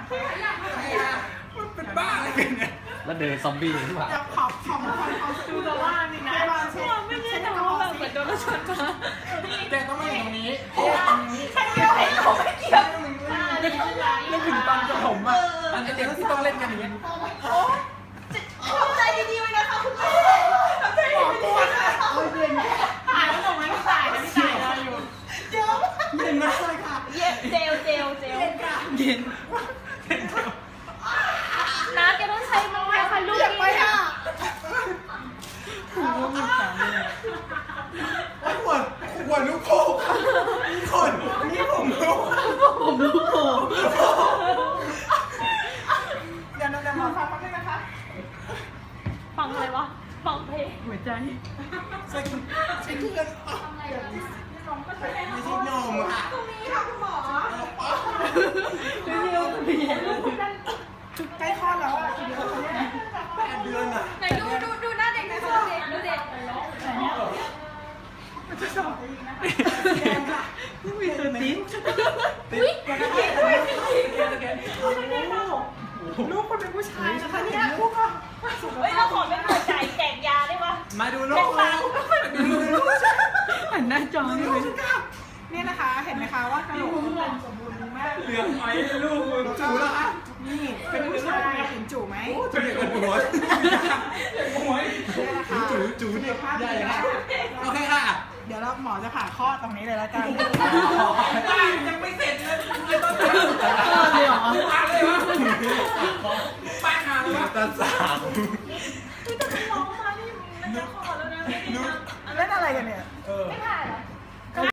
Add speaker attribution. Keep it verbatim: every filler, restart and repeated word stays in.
Speaker 1: มันเป็นบ้าอะไรกันเนี่ย
Speaker 2: แล้วเดินซอมบี้หรือเปล่า
Speaker 3: จะขอบขอบขอบดูแต่ว่านี่นะไม่ใช่แต่ว่าแบบเหมือนโดนรถชนมา
Speaker 1: แต่ต้องมาอยู่ตรงนี้
Speaker 3: ใครเกี่ยวเขาไม่เกี่ยว
Speaker 1: นึกถึงตอนกับผมอ่ะอันเด็กที่ต้องเล่นกันอย่างนี้
Speaker 3: ทำใจดีๆไว้นะคะคุณแม่ทำใจดีๆนะคะถ่ายแล้วหนูไม่ถ่ายนะพี่ถ่ายรออยู่เดี๋ยว
Speaker 1: เย็นมากเลยค่ะ
Speaker 3: เย็นเจลเจลเจล
Speaker 1: เย็น
Speaker 3: น้าแกต้องใช้มือค่ะลูกอยากไปอ่ะ
Speaker 1: หัวมันสั่นเลยโอ้ยหัวหัวลูกโป่งคนนี่ผมลูก
Speaker 3: ผมลูกโป่งเดี๋ยวเดี๋ยวหมอฟังแป๊บนึงนะคะฟังอะไรวะฟังเพลงหัวใจ
Speaker 1: ใส่ใส่เพื่อน
Speaker 3: ทำอะไรแบบนี้น้องก็ใช้
Speaker 1: ไม่ใช่นมอ่ะ
Speaker 3: ตรงนี้ค่ะคุณหมอเร็วๆเร็วๆใกล้คลอดแล้วอ่ะกี่เดือนแล้วเนี่ย
Speaker 1: แปดเดือนอ่ะ
Speaker 3: ไหนดูดูดูหน้าเด็กดูเด็กดูเด็กไหนเนี่ยมันจะสอบ
Speaker 1: มีตัวติ๊ก
Speaker 3: ติ๊กลูกคนเป็นผู้ชายนะคะเนี่ยลูกอ่ะเฮ้ยเราขอเป็นหัวใจแจกยาได้ปะ
Speaker 1: มาดูลูกดูลูก
Speaker 3: หันหน้าจอนี่เลยเนี่ยนะคะเห็นไหมคะว่ากระโหลกมันสมบูรณ์มาก
Speaker 1: เหลืองไอ้ลูกจูแล้วอ่ะ
Speaker 3: นี่เป็นผู้ชายเห็นจูไหม
Speaker 1: จูเด็กกับหัวหัวจูจูเนี่ยใหญ่นะโอเคค่ะ
Speaker 3: เดี๋ยวเราหมอจะผ่าคลอดตรงนี้เลยแล้วกัน
Speaker 1: ยังไม่เสร็จเลยไม่ต้องทำเลยเหรอมาเลยวะป้ามาเลยวะตาสาม